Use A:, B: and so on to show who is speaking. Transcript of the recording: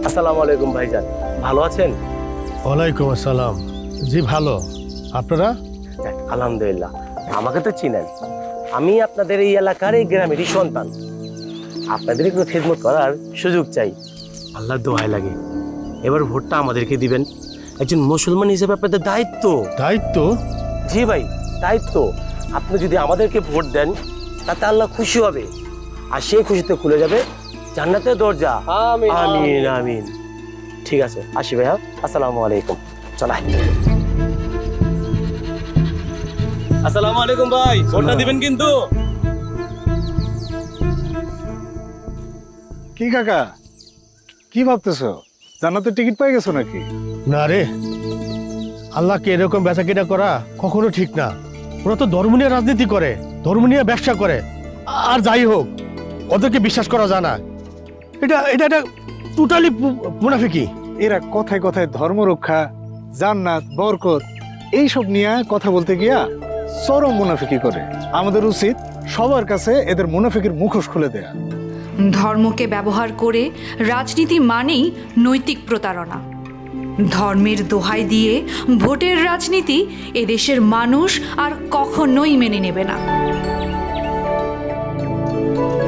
A: আসসালামু আলাইকুম ভাইজান, ভালো আছেন?
B: ওয়ালাইকুম আসসালাম। জি ভালো, আপনারা?
A: যাক, আলহামদুলিল্লাহ। আমাকে তো চিনেন, আমি আপনাদের এই এলাকার এই গ্রামেরই সন্তান। আপনাদের একটু খেদমত করার সুযোগ চাই, আল্লাহ দোহাই লাগে। এবার ভোটটা আমাদেরকে দিবেন, একজন মুসলমান হিসেবে আপনাদের দায়িত্ব।
B: দায়িত্ব?
A: জি ভাই, দায়িত্ব। আপনি যদি আমাদেরকে ভোট দেন তাতে আল্লাহ খুশি হবে, আর সেই খুশিতে খুলে যাবে জান্নাতের দরজা।
C: আমিন,
A: আমিন আমিন। ঠিক আছে, আসি ভাইয়া, আসসালামু আলাইকুম। চলাই।
C: আসসালামু আলাইকুম ভাই, ভোটটা দিবেন কিন্তু।
D: কি কাকা, কি ভাবতেছো? জান্নাতের টিকিট পেয়ে গেছো নাকি?
B: না রে, আল্লাহকে এরকম বেচা কেনা করা কখনো ঠিক না। ওরা তো ধর্ম নিয়ে রাজনীতি করে, ধর্ম নিয়ে ব্যবসা করে। আর যাই হোক, ওদেরকে বিশ্বাস করা যায় না। এটা এটা এটা টোটালি মুনাফিকি।
D: এরা কথায় কথায় ধর্ম রক্ষা, জান্নাত, বরকত এইসব নিয়ে কথা বলতে গিয়া চরম মুনাফিকি করে। আমাদের উচিত সবার কাছে এদের মুনাফিকির মুখোশ খুলে দেয়া।
E: ধর্মকে ব্যবহার করে রাজনীতি মানেই নৈতিক প্রতারণা। ধর্মের দোহাই দিয়ে ভোটের রাজনীতি এদেশের মানুষ আর কখনোই মেনে নেবে না।